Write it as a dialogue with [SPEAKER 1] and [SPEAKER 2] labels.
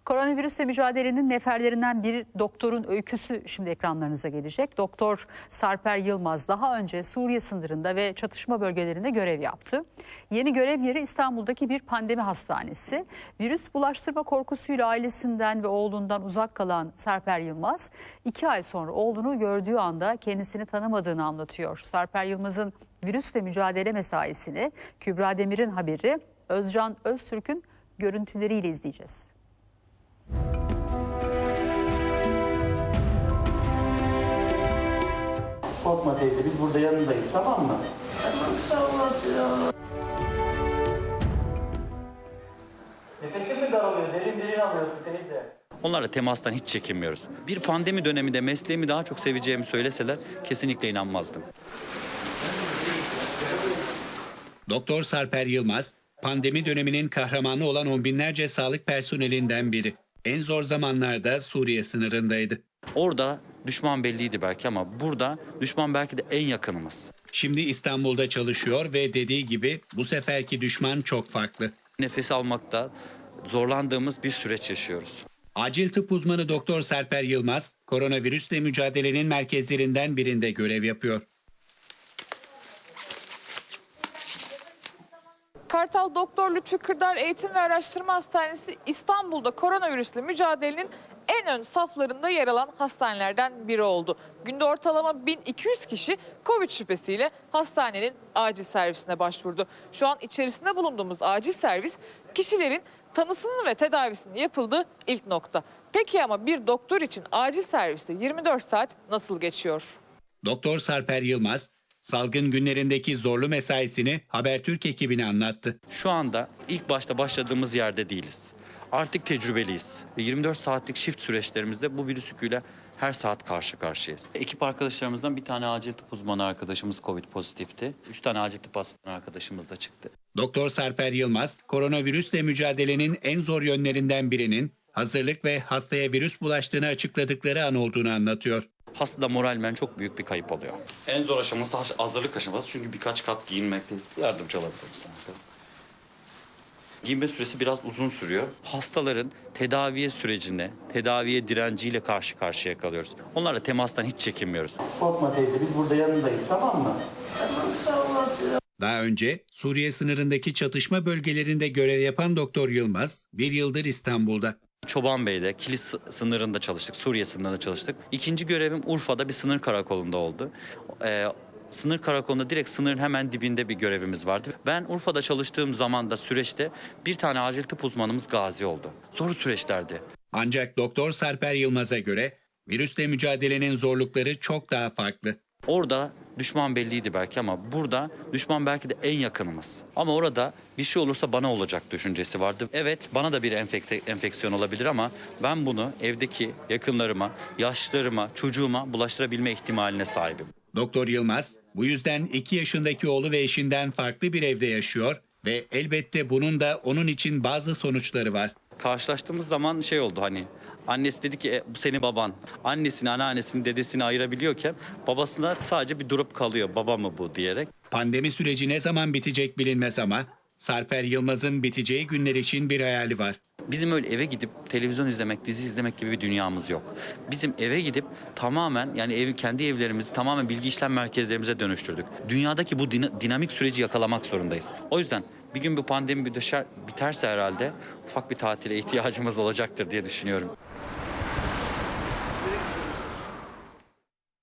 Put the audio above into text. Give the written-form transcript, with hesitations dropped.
[SPEAKER 1] Koronavirüsle mücadelenin neferlerinden bir doktorun öyküsü şimdi ekranlarınıza gelecek. Doktor Sarper Yılmaz daha önce Suriye sınırında ve çatışma bölgelerinde görev yaptı. Yeni görev yeri İstanbul'daki bir pandemi hastanesi. Virüs bulaştırma korkusuyla ailesinden ve oğlundan uzak kalan Sarper Yılmaz 2 ay sonra oğlunu gördüğü anda kendisini tanımadığını anlatıyor. Sarper Yılmaz'ın virüsle mücadele mesaisini Kübra Demir'in haberi, Özcan Öztürk'ün görüntüleriyle izleyeceğiz.
[SPEAKER 2] Korkma teyze, biz burada yanındayız, tamam mı?
[SPEAKER 3] Tamam, sağ olasın ya.
[SPEAKER 2] Nefesin mi daralıyor? Derin alıyorsun teyze.
[SPEAKER 4] Onlarla temastan hiç çekinmiyoruz. Bir pandemi döneminde mesleğimi daha çok seveceğimi söyleseler kesinlikle inanmazdım.
[SPEAKER 5] Doktor Sarper Yılmaz, pandemi döneminin kahramanı olan on binlerce sağlık personelinden biri. En zor zamanlarda Suriye sınırındaydı.
[SPEAKER 4] Orada düşman belliydi belki ama burada düşman belki de en yakınımız.
[SPEAKER 5] Şimdi İstanbul'da çalışıyor ve dediği gibi bu seferki düşman çok farklı.
[SPEAKER 4] Nefes almakta zorlandığımız bir süreç yaşıyoruz.
[SPEAKER 5] Acil tıp uzmanı Doktor Sarper Yılmaz, koronavirüsle mücadelenin merkezlerinden birinde görev yapıyor.
[SPEAKER 6] Kartal Doktor Lütfi Kırdar Eğitim ve Araştırma Hastanesi İstanbul'da koronavirüsle mücadelenin en ön saflarında yer alan hastanelerden biri oldu. Günde ortalama 1200 kişi Covid şüphesiyle hastanenin acil servisine başvurdu. Şu an içerisinde bulunduğumuz acil servis kişilerin tanısının ve tedavisinin yapıldığı ilk nokta. Peki ama bir doktor için acil serviste 24 saat nasıl geçiyor?
[SPEAKER 5] Doktor Sarper Yılmaz, salgın günlerindeki zorlu mesaisini Habertürk ekibine anlattı.
[SPEAKER 4] Şu anda ilk başta başladığımız yerde değiliz. Artık tecrübeliyiz ve 24 saatlik shift süreçlerimizde bu virüs yüküyle her saat karşı karşıyayız. Ekip arkadaşlarımızdan bir tane acil tıp uzmanı arkadaşımız Covid pozitifti. 3 tane acil tıp asistanı arkadaşımız da çıktı.
[SPEAKER 5] Doktor Sarper Yılmaz, koronavirüsle mücadelenin en zor yönlerinden birinin hazırlık ve hastaya virüs bulaştığını açıkladıkları an olduğunu anlatıyor.
[SPEAKER 4] Hastada moralmen çok büyük bir kayıp oluyor. En zor aşaması hazırlık aşaması çünkü birkaç kat giyinmekteyiz. Yardımcı olabilir misin? Giyinme süresi biraz uzun sürüyor. Hastaların tedaviye direnciyle karşı karşıya kalıyoruz. Onlarla temastan hiç çekinmiyoruz.
[SPEAKER 2] Korkma teyze, biz burada yanındayız, tamam mı?
[SPEAKER 3] Tamam, sağ olasın ya.
[SPEAKER 5] Daha önce Suriye sınırındaki çatışma bölgelerinde görev yapan Doktor Yılmaz, bir yıldır İstanbul'da.
[SPEAKER 4] Çobanbey'de, Kilis sınırında çalıştık, Suriye sınırında çalıştık. İkinci görevim Urfa'da bir sınır karakolunda oldu. Sınır karakolunda direkt sınırın hemen dibinde bir görevimiz vardı. Ben Urfa'da çalıştığım zamanda süreçte bir tane acil tıp uzmanımız gazi oldu. Zor süreçlerdi.
[SPEAKER 5] Ancak Doktor Sarper Yılmaz'a göre virüsle mücadelenin zorlukları çok daha farklı.
[SPEAKER 4] Orada düşman belliydi belki ama burada düşman belki de en yakınımız. Ama orada bir şey olursa bana olacak düşüncesi vardı. Evet, bana da bir enfeksiyon olabilir ama ben bunu evdeki yakınlarıma, yaşlılarıma, çocuğuma bulaştırabilme ihtimaline sahibim.
[SPEAKER 5] Doktor Yılmaz bu yüzden 2 yaşındaki oğlu ve eşinden farklı bir evde yaşıyor ve elbette bunun da onun için bazı sonuçları var.
[SPEAKER 4] Karşılaştığımız zaman şey oldu hani annesi dedi ki bu senin baban. Annesini, anneannesini, dedesini ayırabiliyorken babasına sadece bir durup kalıyor. Baba mı bu diyerek.
[SPEAKER 5] Pandemi süreci ne zaman bitecek bilinmez ama Sarper Yılmaz'ın biteceği günler için bir hayali var.
[SPEAKER 4] Bizim öyle eve gidip televizyon izlemek, dizi izlemek gibi bir dünyamız yok. Bizim eve gidip tamamen yani kendi evlerimizi tamamen bilgi işlem merkezlerimize dönüştürdük. Dünyadaki bu dinamik süreci yakalamak zorundayız. O yüzden bir gün bu pandemi biterse herhalde ufak bir tatile ihtiyacımız olacaktır diye düşünüyorum.